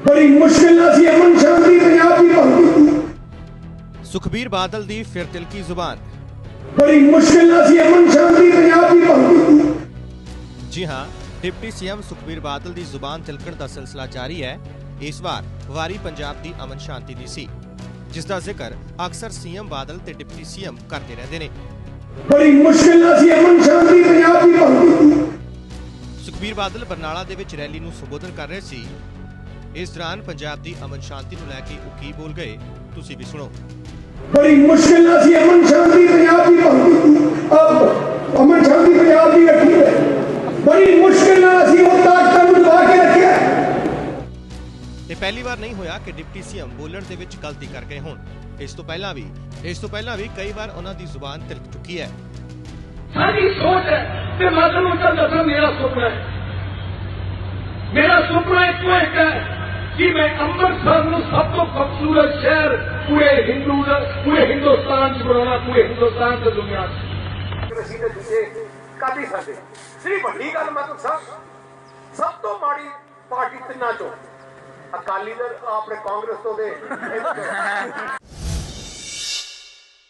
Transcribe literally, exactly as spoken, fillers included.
बड़ी मुश्किल सी अमन शांति पंजाब की भंग की। सुखबीर बादल दी फिर तिलकी जुबान। बड़ी मुश्किल सी अमन शांति पंजाब की भंग की। जी हाँ, डिप्टी सीएम सुखबीर बादल दी जुबान तिलकण दा सिलसिला जारी है। इस बार वारी पंजाब दी अमन शांति दी सी, जिस दा जिक्र अक्सर सीएम बादल ते डिप्टी सीएम करते रहते ने। बड़ी मुश्किल सी अमन शांति पंजाब की भंग की। सुखबीर बादल बरनाला दे विच रैली नूं संबोधन कर रहे सी। इस दौरान पंजाब दी अमन शांति नूं लैके ओह की बोल गए, तुसीं भी सुणो। बड़ी मुश्किल सी अमन शांति पंजाब की भंग की। अब अमन शांति पंजाब की रखी है, बड़ी मुश्किल सी वो ताकत नूं दबा के रखिया। ये पहली बार नहीं होया कि डिप्टी सीएम बोलण दे विच गलती कर गए होण। इस तो पहला भी इस तो पहला भी कई बार उन्हां दी जुबान तिलक चुकी है। सारी सोच है कि मैं तुहानूं चल दसां, मेरा सुपना है, मेरा सुपना एक तो एक है कि मैं अमृतसर नूं सब तो खूबसूरत शहर पूरे हिंदू पूरे हिंदुस्तान च बनाना, पूरे हिंदुस्तान से दुनिया कर ही सकते। सिर्फ वड्डी गल मतलब सब सब तो माड़ी पार्टी तिन्ना चो अकाली दल अपने कांग्रेस तो दे